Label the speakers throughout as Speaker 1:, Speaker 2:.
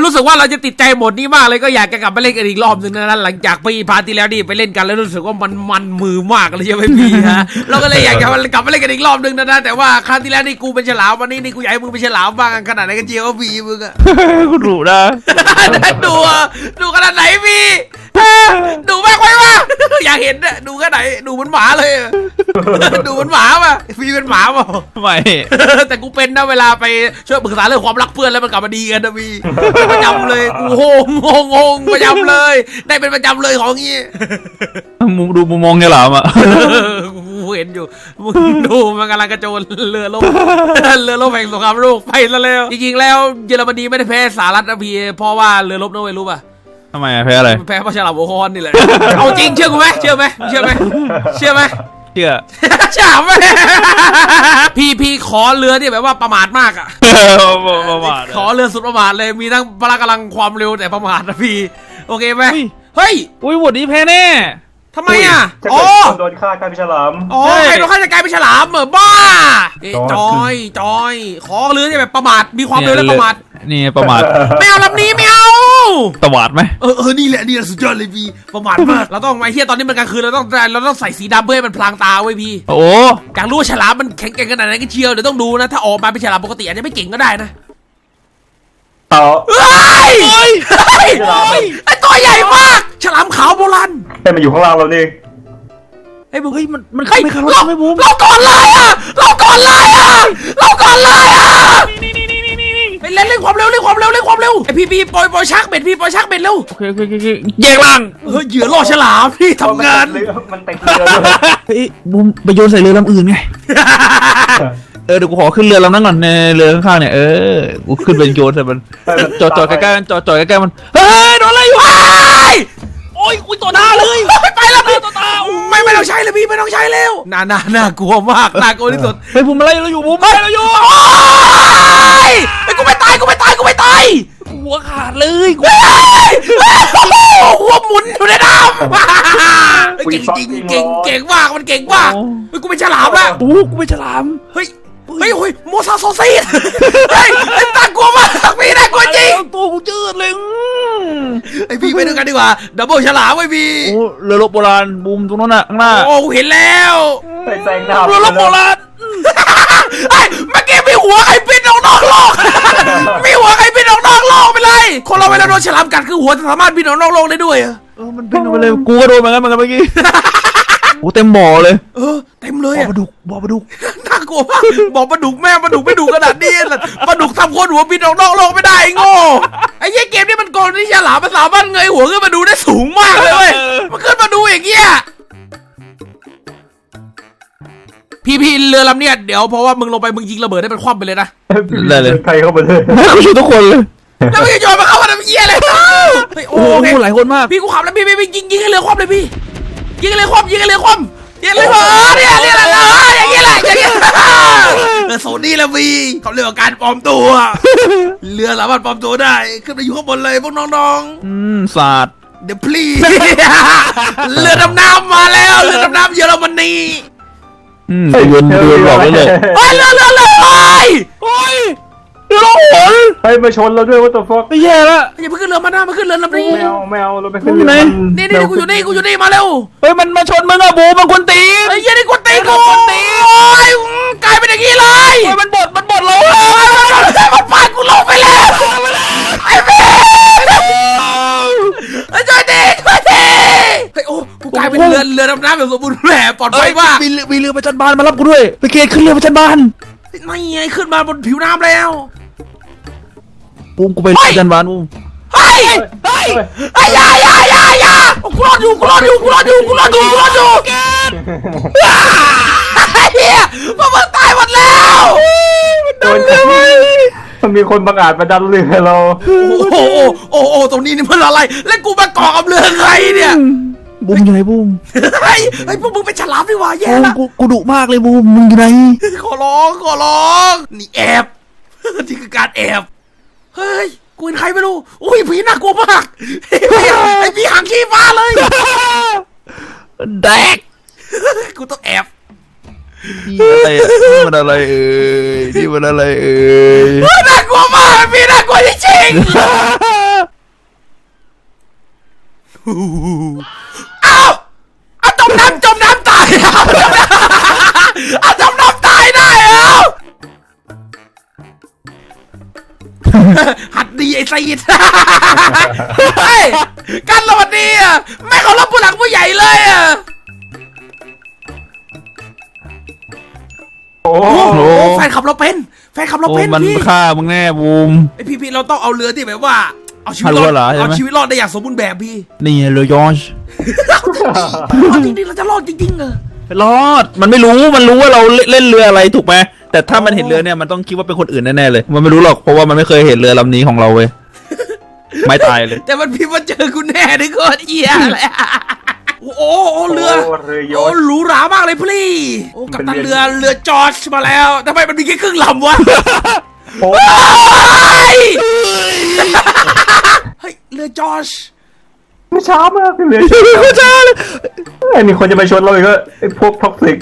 Speaker 1: รู้สึกว่าเราจะติดใจโหมดนี้มากเลยก็อยากจะกลับไปเล่นกันอีกรอบนึงนะหลังจากพี่พาร์ทที่แล้วนี่ไปเล่นกันแล้วรู้สึกว่ามันมือมากเลยใช่ไหมพี่ฮะเราก็เลยอยากจะกลับไปเล่นกันอีกรอบนึงนะแต่ว่าครั้งที่แล้วนี่กูเป็นฉลามวันนี้นี่กูอยากให้มึงเป็นฉลามบ้างขนาดไหนกันเจียวก็พี่มึงอะ
Speaker 2: คุณรู้นะ
Speaker 1: ดูขนาดไหนพี่ดูมากไปวะอยากเห็นอะดูขนาดไหนดูเหมือนหมาเลยดูเหมือนหมาป่ะพี่เป็นหมาป่ะ
Speaker 2: ไม่
Speaker 1: แต่กูเป็นนะเวลาไปช่วยปรึกษาเรื่องความรักเพื่อนแล้วมันกลับมาดีกันนะพี่ประจำเลยกูงงประจำเลยได้เป็นประจำเลยของงี้
Speaker 2: ดูมุมมองเนี่ยหรอมะ
Speaker 1: กูเห็นอยู่มึงดูมันกำลังกระโจนเรือล่มเรือล่มแห่งสงครามโลกไปซะแล้วจริงๆแล้วเยอรมนีไม่ได้แพ้สหรัฐนะพี่เพราะว่าเรือล่มนะเว้ยรู้ป่ะ
Speaker 2: ทำไมแพ้อะไร
Speaker 1: แพ้เพราะฉลามหัวคอนนี่แหละเอาจริงเชื่อกูไหมเชื่อไหมเชื่อไหม
Speaker 2: เชื่อ
Speaker 1: ฉลามไหมพี่ขอเรือที่แบบว่าประมาทมากอ่ะ
Speaker 2: ประมาท
Speaker 1: ขอเรือสุดประมาทเลยมีทั้งพละกำลังความเร็วแต่ประมาทนะพี่โอเคไหมเฮ้ย
Speaker 2: อุ้ยบทนี้แพ้แน่
Speaker 1: ทำไมอ่ะ
Speaker 3: ถ้า
Speaker 1: อ๋
Speaker 3: เกิ
Speaker 1: อ
Speaker 3: ดคนโดนฆ่ากลายเป็นฉลาม
Speaker 1: อ๋อใครโดนฆ่าจะกลายเป็นฉลามเหรอบ้าจอยขอเรือที่แบบประมาทมีความเร็วและประมาท
Speaker 2: นี่ประมาท
Speaker 1: ไม่เอาลำนี้ไม่เอา
Speaker 2: ตวาดไหม
Speaker 1: นี่แหละสุดยอดเลยพี่ประมาทมากเราต้องไอ้เหี้ยตอนนี้มันกลางคืนเราต้องใส่สีดำเพื่อให้มันพลางตาไว้พี่
Speaker 2: โอ้
Speaker 1: อยากรู้ว่าฉลามมันแข็งแกร่งขนาดไหนกันเชียวเดี๋ยวต้องดูนะถ้าออกมาเป็นฉลามปกติอาจจะไม่เก่งก็ได้นะ
Speaker 3: ต่อ
Speaker 1: ไอตัวใหญ่มากฉลามขาวโบราณ
Speaker 3: แต่มันอยู่ข้างล่างเรานี่
Speaker 1: ไอ้บุ้
Speaker 2: เฮ้ยมันขึ้นไม่คาร์ลไม่บูม
Speaker 1: เราก่อนเลยอ่ะไปเล่นความเร็วไอพี่ปล่อยชักเบ็ดพี่ปล่อยชักเบ็ดเร็ว
Speaker 2: โอเคแยกล่าง
Speaker 1: เหยื่อล่อฉลามพี่ทำงาน
Speaker 3: มันเต็มเรือด้วย
Speaker 2: เฮ้ยบูมไปโยนใส่เรือลำอื่นไงเดี๋ยวกูขอขึ้นเรือลำนั้นก่อนในเรือข้างๆเนี่ยกูขึ้นเป็นโยนใส่มันจอดใกล้ๆมันจอดใกล้ๆมันเฮ้ยโดนอะไรอยู่โอ้ยอุ้ยต่อหน้าเลย
Speaker 1: ไปแล้วพี่
Speaker 2: ต่อตา
Speaker 1: ไม่ต้องใช้เลยพี่ไม่ต้องใช้แล้วน่ากลัวมากน่ากลัวที่สุด
Speaker 2: เฮ้ยบูมอะไรเราอยู่บูมอะไรเราอยู่
Speaker 1: ไอ้กูไม่ตาย
Speaker 2: หัวขาดเลยกู
Speaker 1: หัวหมุนอยู่ในน้ำเก่งมากมันเก่งมากเฮ้ยกูเป็นฉลามแล้ว
Speaker 2: โอ้กูเป็นฉลาม
Speaker 1: เฮ้ยโมซาโซซีดเฮ้ยน่ากลัวมากพี่น่ากลัวจริง
Speaker 2: ตัวกูจืดเลย
Speaker 1: ไอพี่ไปด้วยกันดีกว่าดับเบิลฉลามไอพี่
Speaker 2: โอ้เรือรบโบราณบูมตรงนั้นน่ะข้างหน้า
Speaker 1: โอ้กูเห็นแล้ว
Speaker 3: ไปแซงดาว
Speaker 2: เรือรบโบราณ
Speaker 1: ไอ้เมื่อกี้มีหัวใครบินออกนอกโลกมีหัวใครบินออกนอกโลกไปเลยคนเราเวลาโดนฉลามกัดคือหัวสามารถบินออกนอกโลกได้ด้วย
Speaker 2: มันบินออกไปเลยกูก็โดนเหมือนกันเมื่อกี้โอ้เต็มบ่อเลย
Speaker 1: เต็มเลย
Speaker 2: บ่อปลาดุก
Speaker 1: น่ากลัวมากบอกปลาดุกแม่ปลาดุกไม่ดุขนาดนี้ปลาดุกทำคนหัวบินออกนอกโลกไม่ได้โง่ไอ้เหี้ยเกมนี้มันโกงที่ฉลามมันสามารถเงยหัวขึ้นมาดูได้สูงมากเลยเว้ยมันขึ้นมาดูอย่างเงี้ยพี่เรือลำเนี้ยเดี๋ยวเพราะว่ามึงลงไปมึงยิงระเบิดให้มันคว่ำไปเลยนะ
Speaker 3: ใครเข้ามาเลย
Speaker 2: กูช่วยทุกคนเลย
Speaker 1: แล้วมึงจะโยนมาเข้ามาทำเหี้ยอะไรโอ้
Speaker 2: โอ้
Speaker 1: โห
Speaker 2: โหหลายคนมาก
Speaker 1: พี่กูขับแล้วพี่ยิงให้เรือคว่ำเลยพี่ยิงให้เรือคว่ำเนี่ยอย่างเงี้ยแหละโซนี่ละพี่เขาเรียกว่าการปลอมตัวเรือสามารถปลอมตัวได้ขึ้นไปอยู่ข้างบนเลยพวกน้อง
Speaker 2: ศาสตร์
Speaker 1: เดี๋ยวพลีเรือดำน้ำมาแล้วเรือดำน้ำเยอรมนี
Speaker 2: เรือนบอกได้เลย
Speaker 1: เฮ้ยเรือโอ้ย
Speaker 2: เรือล่องหน
Speaker 3: ให้มาชนเราด้วยว่าตัวฟอก
Speaker 2: ไม่แย่ละ
Speaker 1: อย่าเพิ่งขึ้นเรือมาหน้ามาขึ้นเรือลำนี้
Speaker 3: แมวเราไปขึ้นเรือ
Speaker 1: นี่กูอยู่นี่มาเร็ว
Speaker 2: เฮ้ยมันมาชนมึงอะบูมันควรตี
Speaker 1: ไอ้เหี้ยนี่กูตีกูโอ้ยกลายเป็นอย่างนี้เลย
Speaker 2: เฮ้ยมันบดเรา
Speaker 1: มันพากูลงไปแล้วไอ้เบ้ช่วยทีเฮ้ยโอ้กูกลายเป็นเรือดำน้ำแบบสมบูรณ์แบบปลอดภัยมาก
Speaker 2: มีเรือประจันบานมารับกูด้วยไปเกตขึ้นเรือประจันบาน
Speaker 1: ไม่ไงขึ้นมาบนผิวน้ำแล้ว
Speaker 2: บูมกูไปประจันบานบูม
Speaker 1: เฮ้ยอย่ากูรอดอยู่เฮียพวกมึงตายหมดแล้ว
Speaker 3: มันมีคนบังอาจมาดันเรือเรา
Speaker 1: โอ้ตรงนี้นี่มันอะไรแล้วกูมาเกาะกับเรือใครเนี่ย
Speaker 2: บูมอยู่ไหนบูม
Speaker 1: ไอ้พวกมึงเป็นฉลามดีกว่าแย่ละ
Speaker 2: กูดุมากเลยบูมมึงอยู่ไหน
Speaker 1: ขอร้องนี่แอบนี่คือการแอบเฮ้ยกูเป็นใครไม่รู้อุ้ยผีน่ากลัวมากไอ้ผีหางขี้ฟ้าเลย
Speaker 2: แดก
Speaker 1: กูต้องแอบ
Speaker 2: นี่มันอะไรเอ่ยน่ากลัวมาก
Speaker 1: ผีน่ากลัวจริงๆเอาจมน้ำตายเอาจมน้ำตายได้เอาหัดดีไอ้ไซยิดเฮ้ยกันสวัสดีอ่ะไม่เคารพผู้หลักผู้ใหญ่เลยอ่ะ
Speaker 3: โอ้
Speaker 1: โอ้แฟนขับเราเป็น
Speaker 2: มัน
Speaker 1: พี่
Speaker 2: ฆ่ามึงแน่บูม
Speaker 1: ไอพี่เราต้องเอาเรือที่แบบว่า เอาชีวิต
Speaker 2: ฮัล
Speaker 1: ร
Speaker 2: โหล
Speaker 1: อด
Speaker 2: เหรอใช่ไหม
Speaker 1: เอาชีวิตรอดได้อย่างสมบูรณ์แบบพี่
Speaker 2: นี่เรือยอช
Speaker 1: เอาจริงๆเราจะรอดจริงๆเหรอ
Speaker 2: รอดมันไม่รู้มันรู้ว่าเราเล่นเรืออะไรถูกไหมแต่ถ้ามันเห็นเรือเนี่ยมันต้องคิดว่าเป็นคนอื่นแน่ๆเลยมันไม่รู้หรอกเพราะว่ามันไม่เคยเห็นเรือลำนี้ของเราเว้ยไม่ตายเลย
Speaker 1: แต่มันพี่มาเจอคุณแน่ดิโคตรเหี้ยเลยโอ้เรือ
Speaker 3: เรือย
Speaker 1: โอ้
Speaker 3: อชต์
Speaker 1: หรูหรามากเลยพี่โอ้กัปตันเรือจอร์จมาแล้วทำไมมันมีแค่ครึ่งลำวะ
Speaker 3: โอ้
Speaker 1: เฮ้ยเรือจอร์จ
Speaker 3: ไม่ช้ามากเรือยอชต์
Speaker 2: ไม่ใช่เลย
Speaker 3: ไอ้มีคนจะไปชนเราอีกก็ไอ้พวกท็อกซิก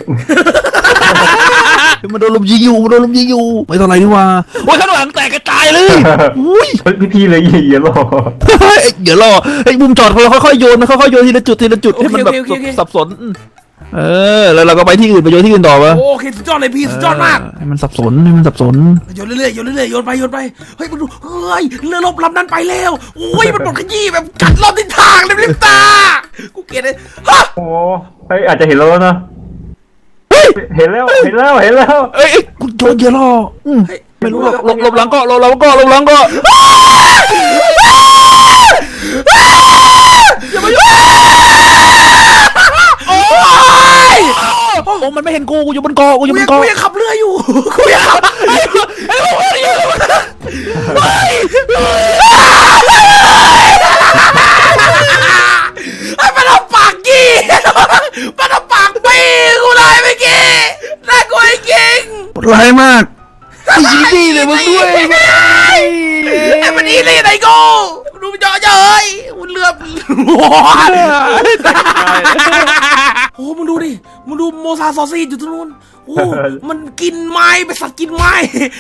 Speaker 2: มันโดนลมยิงอยู่ไม่เท่าไรนี่ว่าโอ้ยข้างหลังแตกกระจายเลยอุ้ย
Speaker 3: พี่เลยเหี้ยหรอ
Speaker 2: เดี๋ยวรอไอ้บุมจอดค่อยๆโยนค่อยๆโยนทีละจุดให้มันแบบสับสนแล้วเราก็ไปที่อื่นไปโยนที่อื่นต่อปะ
Speaker 1: โอเคสุดยอดเลยพี่สุดยอดมาก
Speaker 2: ให้มันสับสน
Speaker 1: โยนเรื่อยๆโยนไปเฮ้ยมันดูเฮ้ยเรือรบลำนั้นไปแล้วโอ้ยมันหมดขยี้แบบกัดรอบทิศทางเลยลิปตากูเกลียดเลยฮะ
Speaker 3: โอ้เฮ้ยอาจจะเห็นแล้วนะเห็นแล้ว
Speaker 2: เอ้ยกูโยนเยอะรอไม่รู้หรอกลบหลังก็
Speaker 1: โอ้ย
Speaker 2: โอ้มันไม่เห็นกูอยู่บนเกาะกูอยู่บนเกาะ
Speaker 1: กูยังขับเรืออยู่กูยังขับไอ้มันเอาปากกี้มันเอาปากปีกูเลยเมื่อกี้น่ากลัวจริง
Speaker 2: ร้ายมากยิงดีเลยมึงด้วย
Speaker 1: ไอ้มันอีเลยไหนกูดูมันเจาะเย้ยมันเรือโอ้มึงดูดิมึงดูโมซาซอซี่อยู่ตรงนู้นโอ้มันกินไม้เป็นสัตว์กินไม้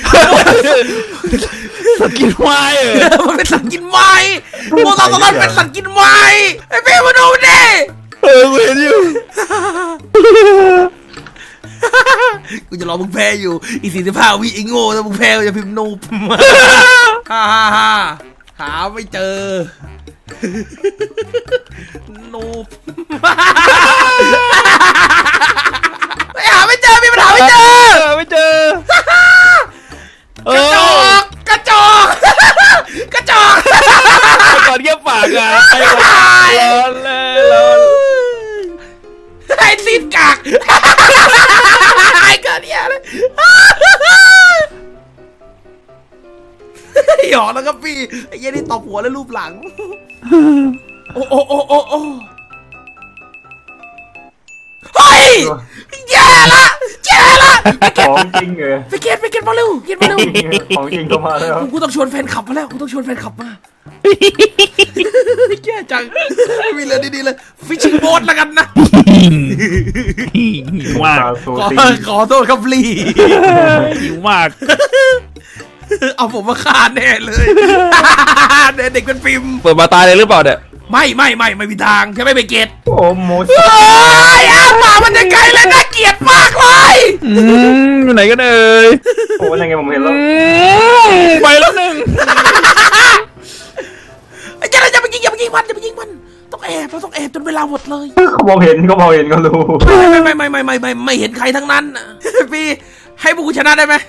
Speaker 2: สักินควาย
Speaker 1: มันเป็นสัตว์กินไม้โมซาซอซี่เป็นสัตว์กินไม้ไอ้เป้มาดูดิ
Speaker 2: กูเห็นอยู่
Speaker 1: กูจะรอมึงแพ้อยู่อี45 วิไอ้โง่ถ้ามึงแพ้กูจะพิมพ์นูบฮ่าหาไม่เจอนูบหาไม่เจอมีปัญหาไม่เจอ
Speaker 2: ไม่เจอก
Speaker 1: ระจอก
Speaker 2: ก่อนเยี่ยมปากอ่ะร้อนเลย
Speaker 1: ไอ้ซีนกากไอ้เกิดเนี่ยเลยหยอกแล้วก็พี่ไอ้เหี้ยนี่ตบหัวแล้วรูปหลังโอ้เฮ้ยแย่ละ
Speaker 3: ของจริงเหรอ
Speaker 1: ไปเก็ตมาเร็ว
Speaker 3: ของจริงเข้ามาแล้ว
Speaker 1: กูต้องชวนแฟนขับมาแล้วมาแย่จังมีเรือดีๆเลยฟิชชิ่งโบ๊ทแล้วกันนะ
Speaker 2: หิวมาก
Speaker 1: ขอโทษครับลี
Speaker 2: หิวมาก
Speaker 1: เอาผมมาฆ่าแน่เลยเด็กเป็นฟิล์ม
Speaker 2: เปิดมาตายเลยหรือเปล่าเนี่ย
Speaker 1: ไม่มีทางใช่ไหมไปเกต
Speaker 3: โอ้โมส
Speaker 1: ป่ามันจะไกลและน่าเกลียดมากเลย
Speaker 2: อยู่ไหนกันเอ่ย
Speaker 3: โอ้ยังไงผมเห็นแล้ว
Speaker 2: ไปแล้วหนึ่ง
Speaker 1: อย่าไปยิงมันต้องแอบจนเวลาหมดเลย
Speaker 3: เขามองเห็นก็รู้
Speaker 1: ไม่เห็นใครทั้งนั้นพี่ให้พวกกูชนะได้ไหม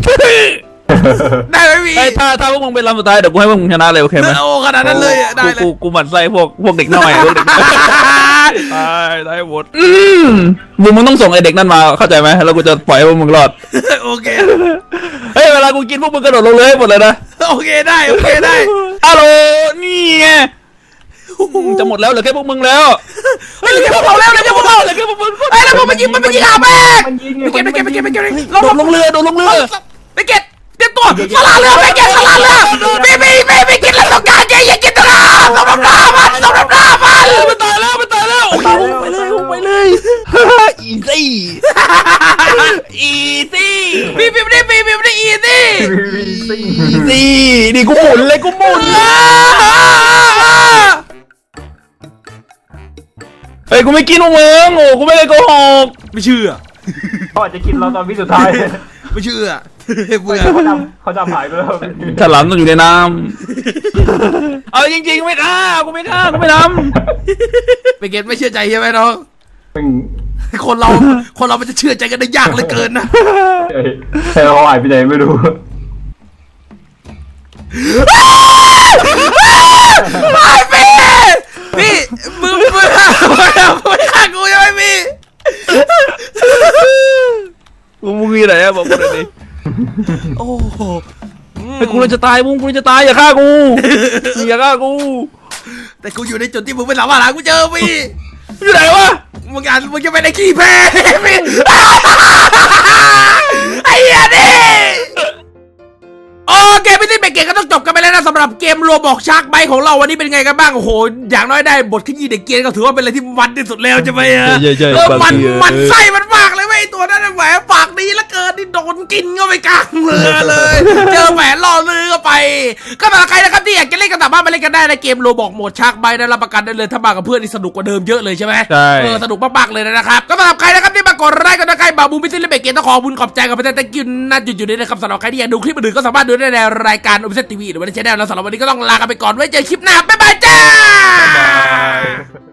Speaker 1: ได้ไหมพี่
Speaker 2: ถ้าพวกมึงเป็นลำสุดท้ายเดี๋ยวกูให้พวกมึงชนะเลยโอเคไหม
Speaker 1: โอ้ขนาดนั้นเลยได้เลย
Speaker 2: กูหมั่นไส้พวกเด็กน้อยได้หมดมึงต้องส่งไอเด็กนั่นมาเข้าใจไหมแล้วกูจะปล่อยให้พวกมึงรอด
Speaker 1: โอเค
Speaker 2: เฮ้ยเวลากูกินพวกมึงกระโดดลงเลยหมดเลยนะ
Speaker 1: โอเคได้
Speaker 2: ฮัลโหลนี่ไงจะหมดแล้วเหลือแค่พวกมึงแล้ว
Speaker 1: เฮ้ยเหลือแค่พวกเราแล้วเหลือแค่พวกเรา
Speaker 2: เหลือแค่พวกมึง
Speaker 1: ไอ้แล้วมันยิงหาแม่ไปเก็ต
Speaker 2: โดดลงเรือ
Speaker 1: ไปเก็ตเตรียมตัวสลาเรือไปเก็ตสลาเรือไปเก็ตแล้วต้องการอย่ากินตราต้องรับหน้ามัน
Speaker 2: มันตายแล้วไปเลยอีซี่
Speaker 1: พี่ไม่ได้อีซี่
Speaker 2: นี่กูหมุนเลยฮ้ยกูไม่กินพวกมึงโอ้กูไม่ได้โกหก
Speaker 1: ไม่เชื่อ
Speaker 3: เขาอาจจะกินเราตอนวิสุดท้าย
Speaker 1: ไม่เชื่อเบื่อ
Speaker 3: เขาดำหายไปแล้ว
Speaker 2: ฉลามต้องอยู่ในน้ำเอาจริงๆไม่ฆ่ากูไม่ฆ่ากูไม่ท
Speaker 1: ไปเกตไม่เชื่อใจใช่ไหมน้อง
Speaker 3: ซึ่ง
Speaker 1: คนเรามันจะเชื่อใจกันได้ยากเหลือเกินนะ
Speaker 3: เขาหายไปไหนไม่รู้
Speaker 1: ไอ้พี่มึงไม่ฆ่ากูใช่ไหมพี่
Speaker 2: ำมึงมีอะไรอะบอกกูหน่อยดิ
Speaker 1: โอ้โห
Speaker 2: ไอ้กูเลยจะตายมึงกูเลยจะตายอย่าฆ่ากูอย่าฆ่ากู
Speaker 1: แต่กูอยู่ในจุดที่มึงไม่สามารถหากูเจอพี่
Speaker 2: อยู่ไหนวะ
Speaker 1: มึงจะไปในขี้แพ้พี่ไอ้เหี้ยนี่โอเคพี่ที่เบรกเกตก็ต้องจบกันไปแล้วนะสำหรับเกมโรบอกชาร์กไบของเราวันนี้เป็นไงกันบ้างโอ้โหอย่างน้อยได้บทขยี้เด็กเกียร์ก็ถือว่าเป็นอะไรที่มันที่สุดแล้วใช่ไหมฮะมันไส้มันมากเลยเว้ยตัวนั้นแหวนปากดีเหลือเกินนี่โดนกินก็ไปกลางเรือเลยเจอแหวนล่อเรือเข้าไปก็สำหรับใครนะครับที่อยากจะเล่นกันสามารถมาเล่นกันได้ในเกมโรบอกโหมดชาร์กไบนะรับประกันได้เลยถ้ามากับเพื่อนนี่สนุกกว่าเดิมเยอะเลยใช่ไหม
Speaker 2: ใช่
Speaker 1: สนุกมากๆเลยนะครับก็สำหรับใครนะครับที่มากดไลค์กันนะใครบาบูมิซิลเบเกตต้องขอบุญขอบใจกับประเทศตะกินน่าจุดๆนี้นะครับสำหรับใครที่อยากดูคลิปอื่นๆก็สามารถดูได้ในรายการโอเปเซทีวีหรือว่าในช่องแล้วสำหรับวันนี้ก็ต้องลากันไปก่อนไว้เจอคลิปหน้าบ๊ายบายจ้า